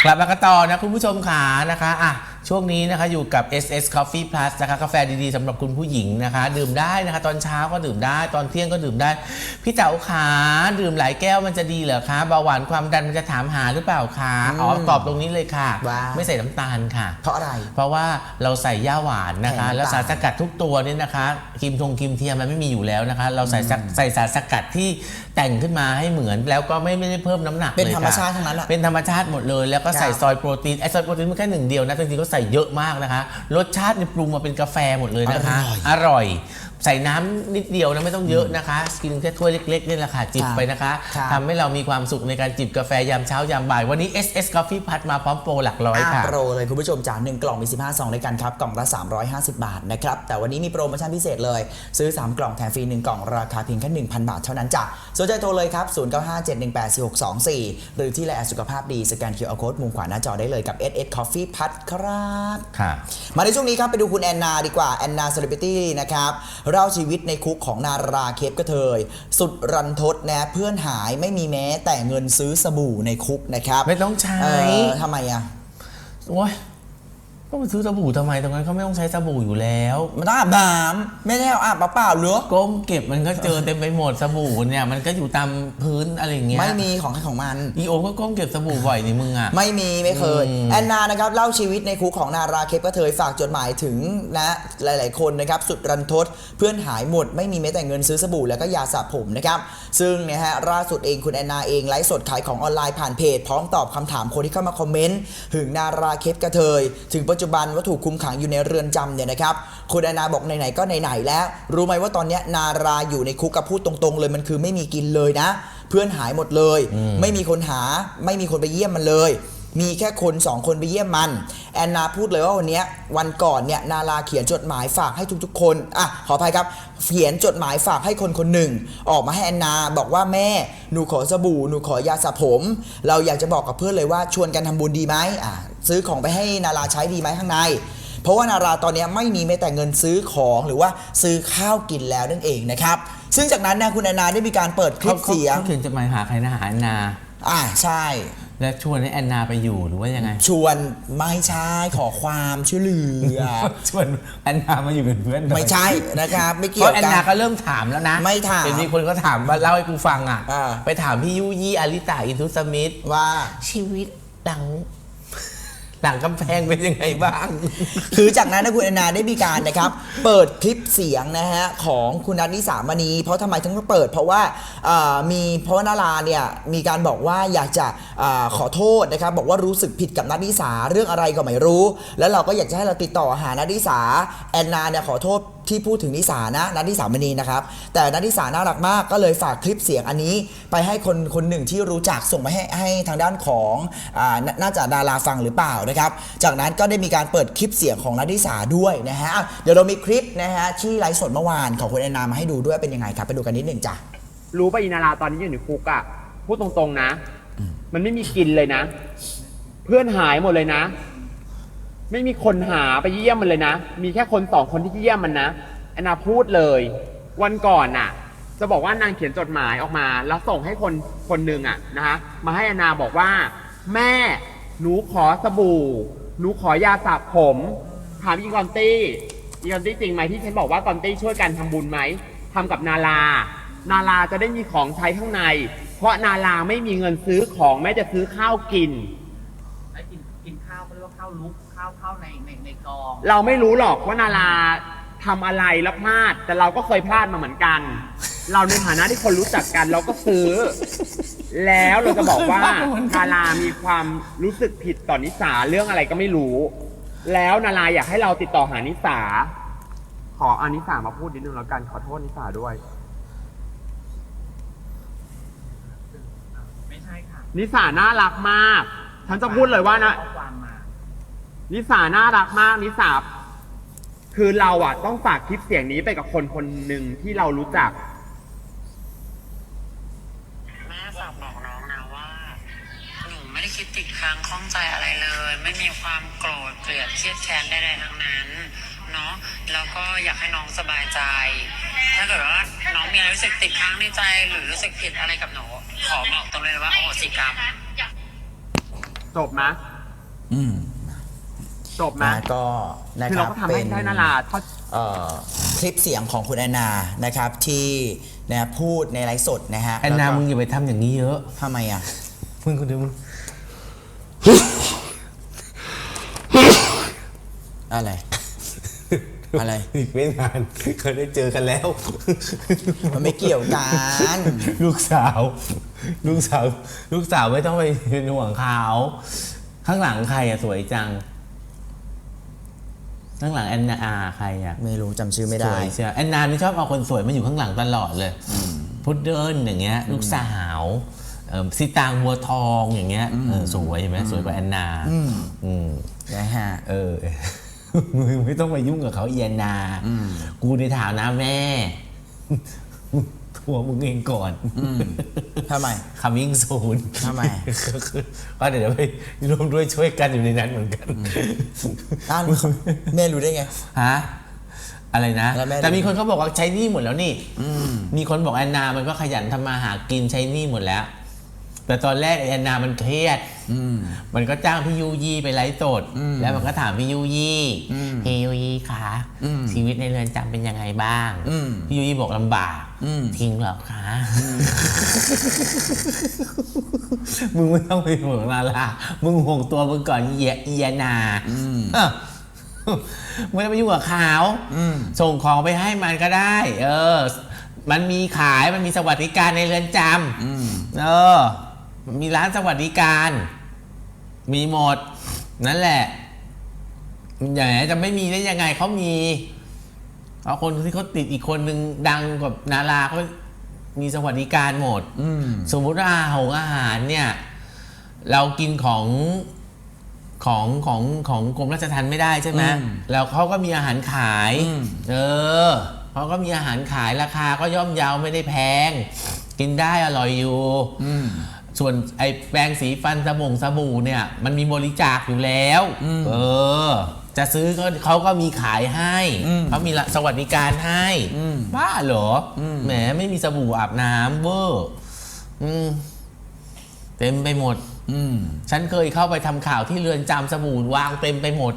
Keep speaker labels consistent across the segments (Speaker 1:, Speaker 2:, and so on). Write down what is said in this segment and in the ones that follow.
Speaker 1: กลับมากันต่อนะคุณผู้ชมขานะคะช่วงนี้นะคะอยู่กับ SS Coffee Plus นะคะกาแฟดีๆสำหรับคุณผู้หญิงนะคะดื่มได้นะคะตอนเช้าก็ดื่มได้ตอนเที่ยงก็ดื่มได้พี่เต๋าขาดื่มหลายแก้วมันจะดีเหรอคะเบาหวานความดันมันจะถามหาหรือเปล่าคะตอบตรงนี้เลยค่ะไม่ใส่น้ำตาลค่ะ
Speaker 2: เพราะอะไร
Speaker 1: เพราะว่าเราใส่ย่าหวานนะคะแล้วสารสกัดทุกตัวนี่นะคะครีมเทียมมันไม่มีอยู่แล้วนะคะเราใส่สารสกัดที่แต่งขึ้นมาให้เหมือนแล้วก็ไม่ได้เพิ่มน้ำหนักเลยค่ะ
Speaker 2: เป็นธรรมชาติทั้งนั้น
Speaker 1: เป็นธรรมชาติหมดเลยแล้วก็ใส่ซอยโปรตีนซอยโปรตีนมันแค่หนึ่งเดียวนะจริงๆก็ใส่เยอะมากนะคะรสชาติปรุงมาเป็นกาแฟหมดเลยนะคะอร่อยใส่น้ำนิดเดียวนะไม่ต้องเยอะนะคะกินแค่ถ้วยเล็กๆนี่แหละค่ะจิบไปนะคะทำให้เรามีความสุขในการจิบกาแฟยามเช้ายามบ่ายวันนี้ SS Coffee Plus มาพร้อมโปรหลักร้อยค่ะ
Speaker 2: โปรเลยคุณผู้ชมจาก1กล่องมี15ซองด้วยกันครับกล่องละ350 บาทนะครับแต่วันนี้มีโปรโมชั่นพิเศษเลยซื้อ3กล่องแถมฟรี1กล่องราคาเพียงแค่ 1,000 บาทเท่านั้นจ้ะสนใจโทรเลยครับ0957184624หรือที่ไลน์สุขภาพดีสแกน QR Code มุมขวาหน้าจอได้เลยกับ SS Coffee Plus ครับ
Speaker 1: ค่ะ
Speaker 2: มาในช่วงนี้ครับไปดูคุณแอนนาดีกว่าแอนนาเซเลบริตี้นะครับเล่าชีวิตในคุกของนาราเคปกระเทยสุดรันทดนะเพื่อนหายไม่มีแม้แต่เงินซื้อสบู่ในคุกนะครับ
Speaker 1: ไม่ต้องใช้
Speaker 2: ทำไมอ่ะ
Speaker 1: โอ้ยก็มาซื้อสบู่ทำไมตรงนั้นเขาไม่ต้องใช้สบู่อยู่แล้ว
Speaker 2: มันต้องอาบน้ำไม่ได้เอาอาบเปล่าๆหรือ
Speaker 1: ก้มเก็บมันก็เจอเต็มไปหมดสบู่เนี่ยมันก็อยู่ตามพื้นอะไรอย่างเงี้ย
Speaker 2: ไม่มีของใครของมัน
Speaker 1: อีโอก็ก้มเก็บสบู่บ่อยนี่มึงอ่ะ
Speaker 2: ไม่เคยแอนนานะครับเล่าชีวิตในคุกของนาราเคปกระเทยฝากจดหมายถึงนะหลายๆคนนะครับสุดรันทดเพื่อนหายหมดไม่มีแม้แต่เงินซื้อสบู่แล้วก็ยาสระผมนะครับซึ่งนะฮะล่าสุดเองคุณแอนนาเองไลฟ์สดขายของออนไลน์ผ่านเพจพร้อมตอบคำถามคนที่เข้ามาคอมเมนต์ถึงนาราเคปกระเทยถึงปัจจุบันว่าถูกคุมขังอยู่ในเรือนจำเนี่ยนะครับคุณแอนนาบอกไหนๆก็ไหนๆแล้วรู้ไหมว่าตอนนี้นาราอยู่ในคุกกับพูดตรงๆเลยมันคือไม่มีกินเลยนะเพื่อนหายหมดเลยไม่มีคนหาไม่มีคนไปเยี่ยมมันเลยมีแค่คน2คนไปเยี่ยมมันแอนนาพูดเลยว่าวันนี้วันก่อนเนี่ยนาราเขียนจดหมายฝากให้ทุกๆคนขออภัยครับเขียนจดหมายฝากให้คนคนหนึ่งออกมาให้แอนนาบอกว่าแม่หนูขอสบู่หนูขอยาสระผมเราอยากจะบอกกับเพื่อนเลยว่าชวนกันทำบุญดีไหมซื้อของไปให้นาราใช้ดีไหมข้างในเพราะว่านาราตอนนี้ไม่มีแม้แต่เงินซื้อของหรือว่าซื้อข้าวกินแล้วนั่นเองนะครับซึ่งจากนั้นนะคุณแอนนาได้มีการเปิดคลิปเสียง
Speaker 1: เขาเขียนจดหมายหาใครนะหาแอนนา
Speaker 2: ใช่
Speaker 1: แล้วชวนให้แอนนาไปอยู่หรือว่ายังไง
Speaker 2: ชวนไม่ใช่ขอความช่วยเหลือ
Speaker 1: ชวนแอนนามาอยู่เป็นเพื่อน
Speaker 2: ไม่ใช่นะครับไม่เกี่ยวกัน
Speaker 1: เพราะแอนนาก็เริ่มถามแล้วนะ
Speaker 2: ไม่ถาม
Speaker 1: มีคนก็ถามมาเล่าให้กูฟังไปถามพี่ยุยี่อาริตาอินทุสมิธ
Speaker 2: ว่า
Speaker 1: ชีวิตหลังกำแพงเป็นยังไงบ้าง
Speaker 2: คือจากนั้นนะคุณแอนนาได้มีการนะครับเปิดคลิปเสียงนะฮะของคุณนัทนิสามณีเพราะทำไมถึงเปิดเพราะว่าเพราะว่านาราเนี่ยมีการบอกว่าอยากจะขอโทษนะครับบอกว่ารู้สึกผิดกับนัทนิสาเรื่องอะไรก็ไม่รู้แล้วเราก็อยากจะให้เราติดต่อหานัทนิสาแอนนาเนี่ยขอโทษที่พูดถึงนิสานะนัทนิสามณีนะครับแต่นัทนิสาน่ารักมากก็เลยฝากคลิปเสียงอันนี้ไปให้คนหนึ่งที่รู้จักส่งไปให้ทางด้านของน่าจะดาราฟังหรือเปล่านะครับจากนั้นก็ได้มีการเปิดคลิปเสียงของนัทนิสาด้วยนะฮะเดี๋ยวเรามีคลิปนะฮะที่ไลฟ์สดเมื่อวานของคุณแอนนามาให้ดูด้วยเป็นยังไงครับไปดูกันนิดหนึ่งจ้ะ
Speaker 3: รู้ป่ะอินาราตอนนี้อยู่ในคุกอ่ะพูดตรงๆนะมันไม่มีกินเลยนะเพื่อนหายหมดเลยนะไม่มีคนหาไปเยี่ยมมันเลยนะมีแค่คน2คนที่เยี่ยมมันนะแอนนาพูดเลยวันก่อนน่ะจะบอกว่านางเขียนจดหมายออกมาแล้วส่งให้คนหนึ่งนะฮะมาให้แอนนาบอกว่าแม่หนูขอสบู่หนูขอยาสระผมถามอีกอนตี้จริงไหมที่ฉันบอกว่ากอนตี้ช่วยกันทำบุญไหมทำกับนาราจะได้มีของใช้ข้างในเพราะนาราไม่มีเงินซื้อของแม้จะซื้อข้าวกิน
Speaker 4: ข้าวเขาเรียกว่าข้าวลุกข้าวในกอง
Speaker 3: เราไม่รู้หรอกว่านาราทำอะไรแล้วพลาดแต่เราก็เคยพลาดมาเหมือนกันเราในฐานะที่คนรู้จักกันเราก็ซื้อแล้วเราจะบอกว่านารามีความรู้สึกผิดต่อนิสาเรื่องอะไรก็ไม่รู้แล้วนาราอยากให้เราติดต่อหานิสาขอนิสามาพูดนิดนึงแล้วกันขอโทษนิสาด้วย
Speaker 4: ไม่ใช่ค่ะ
Speaker 3: นิสาน่ารักมากฉันจะพูดเลยว่านะนิสาน่ารักมากนิสาคือเราต้องฝากคลิปเสียงนี้ไปกับคนหนึ่งที่เรารู้จัก
Speaker 5: แม่ฝากบอกน้องนะว่าหนูไม่ได้คิดติดค้างข้องใจอะไรเลยไม่มีความโกรธเกลียดเครียดแค้นใดๆทั้งนั้นเนาะแล้วก็อยากให้น้องสบายใจถ้าเกิดว่าน้องมีอะไรรู้สึกติดค้างในใจหรือรู้สึกผิดอะไรกับหนูขอบอกตรงเลยว่าโอสิกรรม
Speaker 3: จบนะจบนะ
Speaker 2: ก็นะ
Speaker 3: คือ
Speaker 2: ค
Speaker 3: เรา
Speaker 2: รับ
Speaker 3: ก็ทำให้ได้นาราเท่า
Speaker 2: คลิปเสียงของคุณแอนนานะครับที่นะพูดในไลฟ์สดนะฮะ
Speaker 1: แอนนา
Speaker 2: แล้วก็
Speaker 1: มึงอย่าไปทำอย่างนี้เยอะ
Speaker 2: ทำไมอ่ะ
Speaker 1: มึงคนเดียวมึง
Speaker 2: อะไร อะไร
Speaker 1: อีกไม่นานเคยได้เจอกันแล้ว
Speaker 2: มันไม่เกี่ยวกัน
Speaker 1: ลูกสาว ลูกสาวไม่ต้องไปเป็นห่วงเขาข้างหลังใครอะสวยจัง ข้างหลังแอนนาใครอะ
Speaker 2: ไม่รู้จำชื่อไม่
Speaker 1: ส
Speaker 2: ได้
Speaker 1: วยใช่แอนนานี่ชอบเอาคนสวยมาอยู่ข้างหลังตลอดเลยพุดเดิ้ลอย่างเงี้ย ลูกสาวสิตางบัวทองอย่างเงี้ยสวยเห็นไหมสวยกว่าแอนนา
Speaker 2: นะฮะ
Speaker 1: มึงไม่ต้องมายุ่งกับเขาแอนนา กูในฐานะแม่ ทัวร์มึงเองก่อน
Speaker 2: ทำไม
Speaker 1: coming soon
Speaker 2: ทำไม
Speaker 1: ก็เดี๋ยวไปร่วมด้วยช่วยกันอยู่ในนั้นเหมือนกัน
Speaker 2: อ้าวแม่รู้ได้ไง
Speaker 1: ฮะอะไรนะ
Speaker 2: แล้วแม่
Speaker 1: แต่มีคนเขาบอกว่าใช้หนี้หมดแล้วนี่มีคนบอกแอนนามันก็ขยันทำมาหากินใช้หนี้หมดแล้ว แต่ตอนแรกแอนนามันเครียดมันก็จ้างพี่ยูยี่ไปไลฟ์สดแล้วมันก็ถามพี่ยูยี่พี่ยูยี่คะชีวิตในเรือนจำเป็นยังไงบ้างพี่ยูยี่บอกลำบากทิ้งเหรอคะมึงไม่ต้องไปห่วงนารามึงห่วงตัวมึงก่อนเอียนาไม่ต้องไปยุ่งกับเขาส่งของไปให้มันก็ได้มันมีขายมันมีสวัสดิการในเรือนจำมีร้านสวัสดิการมีหมดนั่นแหละอย่างไรจะไม่มีได้ยังไงเขามีเอาคนที่เขาติดอีกคนนึงดังกว่านาราเขามีสวัสดิการหมดสมมุติว่าอาหารเนี่ยเรากินของกรมราชทัณฑ์ไม่ได้ใช่ไหมแล้วเขาก็มีอาหารขายเขาก็มีอาหารขายราคาก็ย่อมเยาไม่ได้แพงกินได้อร่อยอยู่ส่วนไอ้แปรงสีฟันสบู่เนี่ยมันมีบริจาคอยู่แล้วจะซื้อเขาก็มีขายให้เขามีสวัสดิการให้บ้าเหรอแหมไม่มีสบู่อาบน้ำเวอร์เต็มไปหมดฉันเคยเข้าไปทำข่าวที่เรือนจำสบู่วางเต็มไปหมด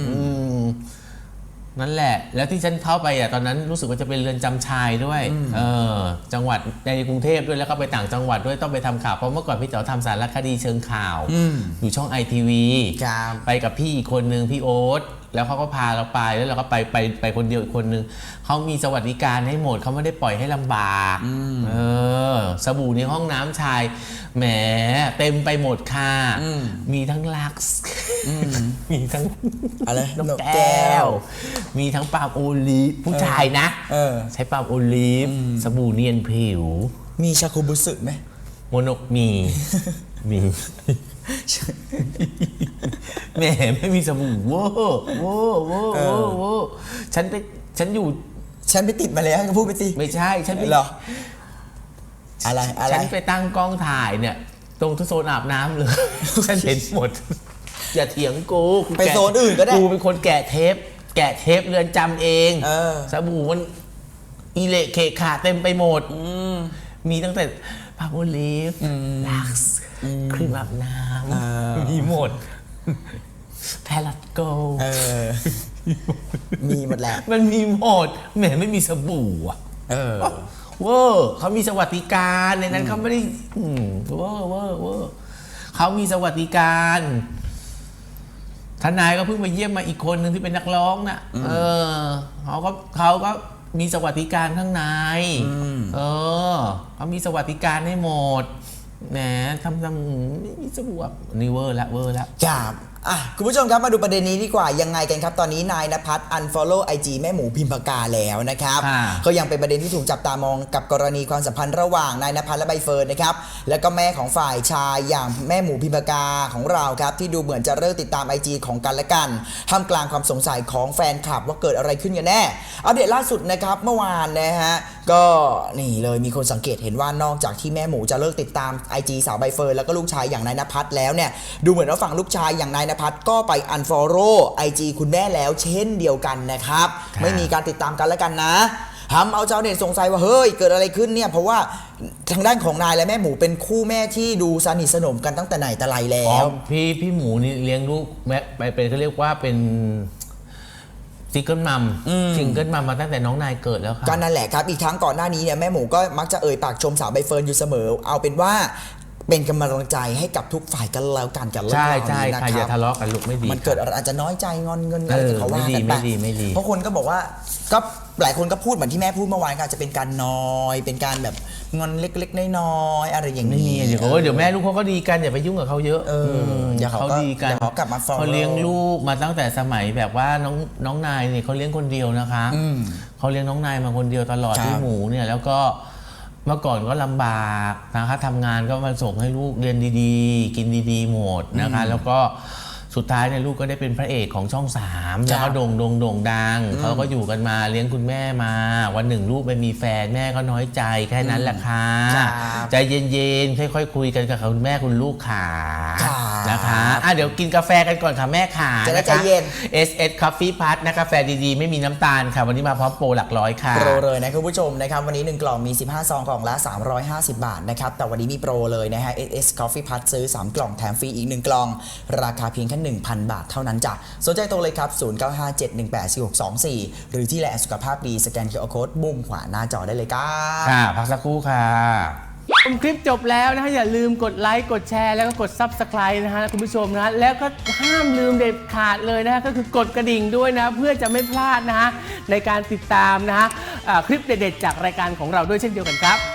Speaker 1: นั่นแหละแล้วที่ฉันเข้าไปตอนนั้นรู้สึกว่าจะเป็นเรือนจำชายด้วยจังหวัดในกรุงเทพด้วยแล้วก็ไปต่างจังหวัดด้วยต้องไปทำข่าวเพราะเมื่อก่อนพี่เต๋อทำสารคดีเชิงข่าวอยู่ช่อง ITV ไปกับพี่อีกคนนึงพี่โอ๊ตแล้วเขาก็พาเราไปแล้วเราก็ไปคนเดียวอีกคนนึงเขามีสวัสดิการให้หมดเขาไม่ได้ปล่อยให้ลำบากสบู่ในห้องน้ำชายแหมเต็มไปหมดค่ะมีทั้งลักซ์มีทั้ง
Speaker 2: อะไร
Speaker 1: นกแก้วมีทั้งปาล์มโอลีฟผู้ชายนะใช้ปาล์มโอลีฟสบู่เนียนผิว
Speaker 2: มีชาคุบุสึไหม
Speaker 1: โมโนกมีแหมไม่มีสบู่โว้ฉันไป
Speaker 2: ติดมาแล้วก็พูดไปสิ
Speaker 1: ไม่ใช่ฉันไป
Speaker 2: หรออะไร
Speaker 1: ฉันไปตั้งกล้องถ่ายเนี่ยตรงทุกโซนอาบน้ำเลยฉันเห็นหมดอย่าเถียงกู
Speaker 2: ไปโซนอื่นก็ได้
Speaker 1: กูเป็นคนแกะเทปเรือนจำเองสบู่มันอีเละเคขาเต็มไปหมดมีตั้งแต่พาโอลีฟลักซ์ครีมอาบน้ำมีหมดแพลตโก
Speaker 2: มีหมดแหละ
Speaker 1: มันมีหมดแหมไม่มีสบู่เวอร์เขามีสวัสดิการในนั้นเขาไม่ได้เวอร์เขามีสวัสดิการทนายก็เพิ่งไปเยี่ยมมาอีกคนหนึ่งที่เป็นนักร้องน่ะเขาก็มีสวัสดิการข้างในเขามีสวัสดิการให้หมดแหมทำไม่มีสบู่นี่เวอร์แล้ว
Speaker 2: ครับคุณผู้ชมครับมาดูประเด็นนี้ดีกว่ายังไงกันครับตอนนี้นายณภัทร unfollow IG แม่หมูพิมพากาแล้วนะครับก็ยังเป็นประเด็นที่ถูกจับตามองกับกรณีความสัมพันธ์ระหว่างนายณภัทรและใบเฟิร์นนะครับแล้วก็แม่ของฝ่ายชายอย่างแม่หมูพิมพากาของเราครับที่ดูเหมือนจะเลิกติดตาม IG ของกันและกันท่ามกลางความสงสัยของแฟนคลับว่าเกิดอะไรขึ้นกันแน่อัปเดตล่าสุดนะครับเมื่อวานนะฮะก็นี่เลยมีคนสังเกตเห็นว่านอกจากที่แม่หมูจะเลิกติดตาม IG สาวใบเฟิร์นแล้วก็ลูกชายอย่างนายณภัทรแล้วเนี่ยดูเหมือนว่าฝั่งลูกชายอย่างนายณภัทรก็ไป unfollow IG คุณแม่แล้วเช่นเดียวกันนะครับไม่มีการติดตามกันแล้วกันนะทำเอาชาวเน็ตสงสัยว่าเฮ้ยเกิดอะไรขึ้นเนี่ยเพราะว่าทางด้านของนายและแม่หมูเป็นคู่แม่ที่ดูสนิทสนมกันตั้งแต่ไหนแต่ไรแล้
Speaker 1: อ๋อ
Speaker 2: ว
Speaker 1: พี่หมูนี่เลี้ยงลูกแม่ไปเป็นเขาเรียกว่าเป็นซิงเกิลมัมมาตั้งแต่น้องนายเกิดแล้วค่ะ
Speaker 2: ก็นั่นแหละครับอีกทั้งก่อนหน้านี้เนี่ยแม่หมูก็มักจะเอ่ยปากชมสาวใบเฟิร์นอยู่เสมอ เอาเป็นว่าเป็นกำลังใจให้กับทุกฝ่ายกันแล้วกันกับเรื่อง
Speaker 1: ใช่
Speaker 2: ราว
Speaker 1: ใช่
Speaker 2: นี้นะ
Speaker 1: ค่ะ
Speaker 2: ค
Speaker 1: อย่า
Speaker 2: รับ
Speaker 1: ทะเลาะกันลูกไม่ดี
Speaker 2: มันเกิดอะไรอาจจะน้อยใจงอนเงินอะไรที่เขาว่ากันไป
Speaker 1: ไม่ดี
Speaker 2: เพราะคนก็บอกว่าก็หลายคนก็พูดเหมือนที่แม่พูดเมื่อวานก็อาจจะเป็นการนอยเป็นการแบบงอนเล็กๆน้อยๆอะไรอย่าง
Speaker 1: ไม่
Speaker 2: นี้
Speaker 1: มีเดี๋ยวแม่ลูกเขาก็ดีกันอย่าไปยุ่งกับเขาเยอะ
Speaker 2: อย่าเขา
Speaker 1: ดีกัน
Speaker 2: เดี๋ยวเขากลับมาฟ้อง
Speaker 1: เขาเลี้ยงลูกมาตั้งแต่สมัยแบบว่าน้องนายเนี่ยเขาเลี้ยงคนเดียวนะคะเขาเลี้ยงน้องนายมาคนเดียวตลอด
Speaker 2: ครับ
Speaker 1: พี่หมูเนี่ยแล้วก็เมื่อก่อนก็ลำบากนะคะทำงานก็มาส่งให้ลูกเรียนดีๆ กินดีๆหมดนะคะแล้วก็สุดท้ายเนี่ยลูกก็ได้เป็นพระเอกของช่อง3แล้วก็โด่งดังเขาก็อยู่กันมาเลี้ยงคุณแม่มาวันหนึ่งลูกไปมีแฟนแม่ก็น้อยใจแค่นั้นแหละค่ะ
Speaker 2: ครับ
Speaker 1: ใจเย็นๆค่อยๆคุยกันกับคุณแม่คุณลูกขา
Speaker 2: ครับ
Speaker 1: นะคะเดี๋ยวกินกาแฟกันก่อนค่ะแม่ขา
Speaker 2: จะได้
Speaker 1: นะคะ
Speaker 2: ใจเย็น
Speaker 1: SS Coffee Plus นะกาแฟดีๆไม่มีน้ำตาลค่ะวันนี้มาพร้อมโปรหลักร้อยค่ะ
Speaker 2: โปรเลยนะคุณผู้ชมนะครับวันนี้1กล่องมี15ซองกล่องละ350 บาทนะครับแต่วันนี้มีโปรเลยนะฮะ SS Coffee Plus ซื้อ3กล่องแถมฟรีอีก1กล่องราคาเพียงแค่ 1,000 บาทเท่านั้นจ้ะสนใจโทรเลยครับ0957184624หรือที่แลสุขภาพดีสแกน QR Code มุมขวาหน้าจอได้เลยครับ
Speaker 1: ค่ะพักสักครู่ค่ะ
Speaker 6: ชมคลิปจบแล้วนะฮะอย่าลืมกดไลค์กดแชร์แล้วก็กด Subscribe นะฮะคุณผู้ชมนะฮะแล้วก็ห้ามลืมเด็ดขาดเลยนะฮะก็คือกดกระดิ่งด้วยนะเพื่อจะไม่พลาดนะฮะในการติดตามนะฮะคลิปเด็ดๆจากรายการของเราด้วยเช่นเดียวกันครับ